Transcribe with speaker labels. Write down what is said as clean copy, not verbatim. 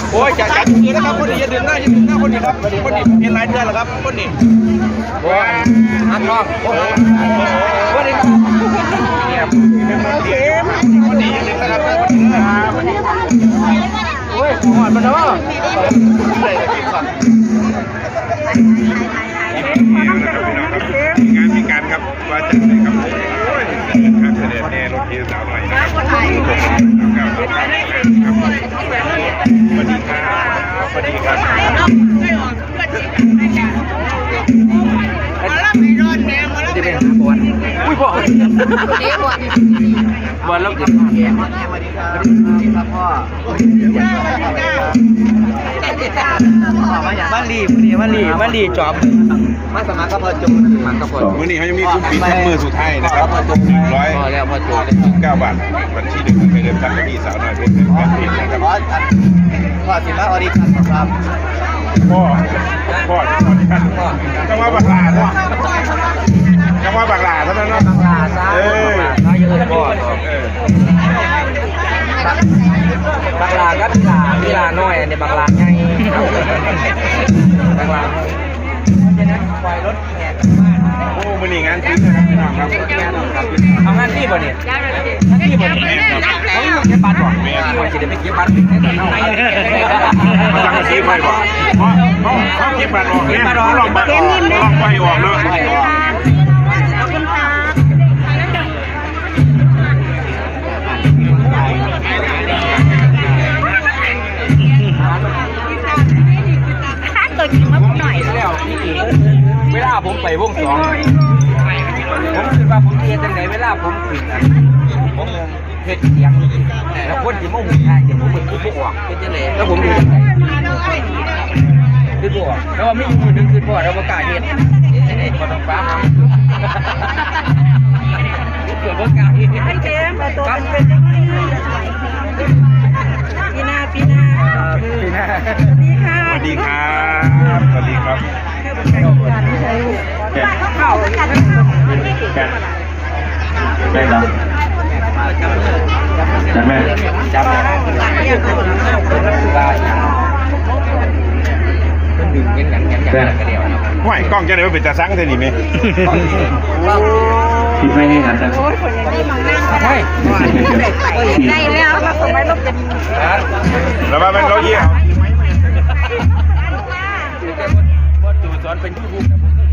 Speaker 1: โอ้ยจัดมือนะครับคนนี้อย่าดื่มหน้าคนนี้ครับคนนี้เป็นรายเดือนแล้วครับคนนี้โอ้ยฮักน้องคนนี้เนี่ยคนนี้ยังดื่มนะครับโอ้ยหอดมันเนาะเลยกินก่อนงานมีการครับว่าจัดเลยครับครับเสด็จแน่รถเทียนสาวหน่อยนะสวัสดีครับสวัสดีครับจะเป็นบอลอุ้ยบอลบอลแล้วกินสวัสดีครับพ่อมาลีจอบมาสมัครก็พอจุ่มมันก็พอมื้อนี้เขายังมีคุ้มปีแค่มือสุดท้ายนะครับ100พอแล้วพอจุ่ม9 บาทวันที่1ไปเริ่มตั้งที่สาวน้อยเพชรการเพชรนะครับพ่อสิมาออดิชั่นครับพ่อออดิชั่นจังหวะบักหลาเนาะจังหวะบักหลาเท่านั้นเนาะบักหลาซะบักหลาเยอะพ่อบักหลาก็กีฬาน้อยอันนี้บักหลาไงบักหลาฉะนั้นปล่อยรถแห่กันบ้านโอ้มื้อนี้งานที่นะครับพี่น้องครับทำงานที่บ่เนี่ยงานที่บ่เนี่ยเขาอยู่เก็บบัตรบ่ว่าสิได้ไปเก็บบัตรในตอนเฮามาสั่งซื้อไปบ่เขาเก็บบัตรออกเนี่ยลองบัตรออกลองไปออกเนาะ
Speaker 2: ตัวจริงมาหน่อย
Speaker 1: แล้วเวลาผมไปวงสองผมคิดว่าผมเรียนจังไหนเวลาผมขึ้นผมเฮ็ดเสียงแล้วคนที่มาหูง่ายเดี๋ยวผมมันคือบ่ออกเป็นจังได๋แล้วผมดูจังได๋คือบ่ออกแล้วว่ามีมือนึงคือบ่แล้วบ่กล้าเฮ็ดจังได๋บ่ต้องฟ้าเกิดบ่กล้าเฮ็ดให้เต็มตัวเป็นจังได๋ปีหน้าสวัสดีครับสวัสดีครับเข้าได้แล้วจับแม่จับดึงเงี้ยกันเดียวห่วยกล้องจะได้เป็นตาซังเท่านี้ไหมคิดไม่ให้กันจัง
Speaker 2: ได้แล้วเราส่งไปลบกัน
Speaker 1: แล้วมาเป็นเราเยี่ยมบอสจูสอนเป็นยูทูบ